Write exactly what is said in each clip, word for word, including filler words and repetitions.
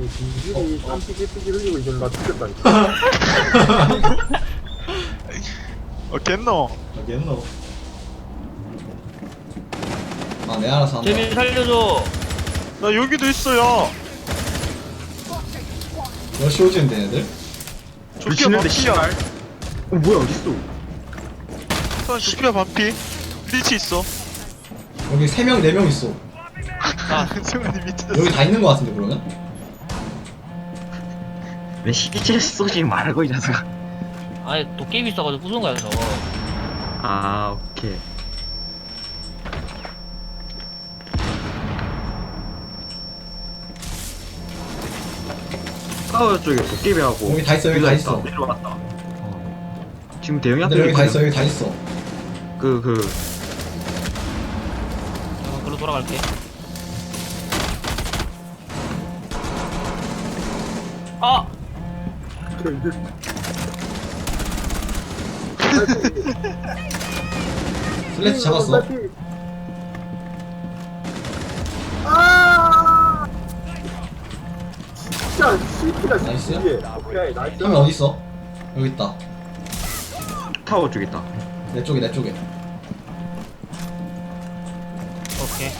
이들이 땀 삐질삐질 흘리고 있는 나 죽겠다니까. 어 겠노. 알겠노. 아, 내 알아서 한다. 재민 살려줘. 나 여기도 있어요. 러시 오지는데 애들? 조끼가 반피야. 어 뭐야 어딨어? 선 조끼가 반피. 리치 있어. 여기 세 명, 네 명 있어. 아, 승환이 밑에. 여기 다 있는 거 같은데 그러면? 왜 시체 쏘지 말고 이 녀석아. 아니 도깨비 있어가지고 부순 거야 저거. 아 오케이. 파워 쪽에 도깨비하고 여기 다 있어, 여기 다 있어. 내려왔다. 어. 지금 대형이 근데 여기 다 있어, 여기 다 있어. 그 그. 어, 글로 돌아갈게. 아, 슬래치 잡았어. 아! 진짜 씨피가 나이스. 이게. 오케이 나이스. 한 명 어디 있어? 여기 있다. 타워 쪽에 있다. 내 쪽에, 내 쪽에. 오케이.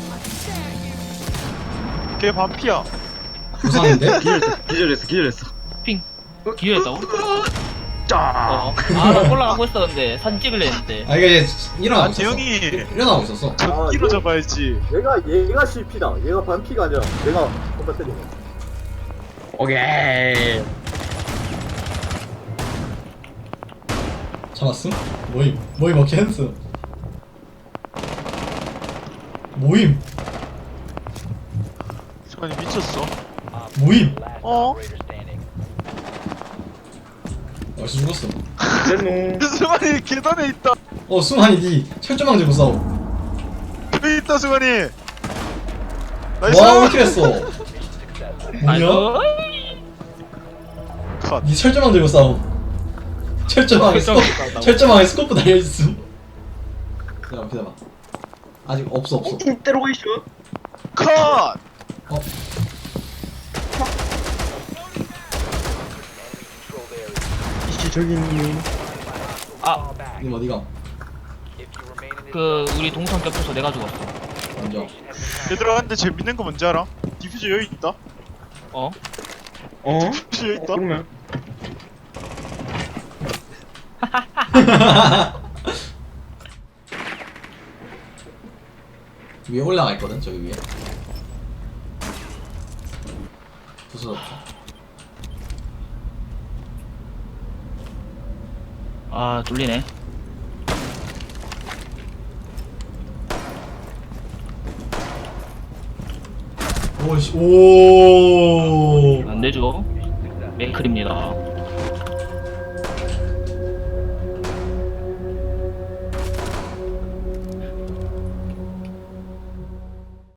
걔 반피야. 부상인데? 기절했어, 기절했어, 기절했어. 핑. 기회했다고? 짜. 어. 아, 나 올라가고 있었는데 사진 찍을래 했는데. 아, 이게 일어나고 아 있었어. 대형이 일어나고 있었어. 전기로 얘- 잡아야지. 얘가 얘가 씨피다. 얘가 반피가 아니라 내가 건반 때리네. 오케이. 잡았음? 모임. 모임 어케 했어. 모임. 승환이 미쳤어. 모임. 어? 벌써 죽었어. 승환이 계단에 있다. 어, 승환이 니 철조망 들고 싸워. 여기 있다 승환이. 나이스. 와, 왜 이렇게 했어? 뭐냐? 아이고. 컷. 니 철조망 들고 싸워. 철조망에 스코, 철조망 들고 싸운다고? 철조망에 스코프 달려있음. 기다려, 기다려. 아직 없어, 없어. 인테로이션. 컷. 어, 이씨 저기 있니? 아, 님 어디가? 그 우리 동선 겹쳐서 내가 죽었어. 먼저. 얘들아 근데 재밌는 거 뭔지 알아? 디퓨저 여기 있다. 어? 어? 디퓨저 여기 있다. 그러면 위에 올라가 있거든, 저기 위에. 부서졌다. 아, 뚫리네. 오씨, 오. 안 되죠. 메이클입니다.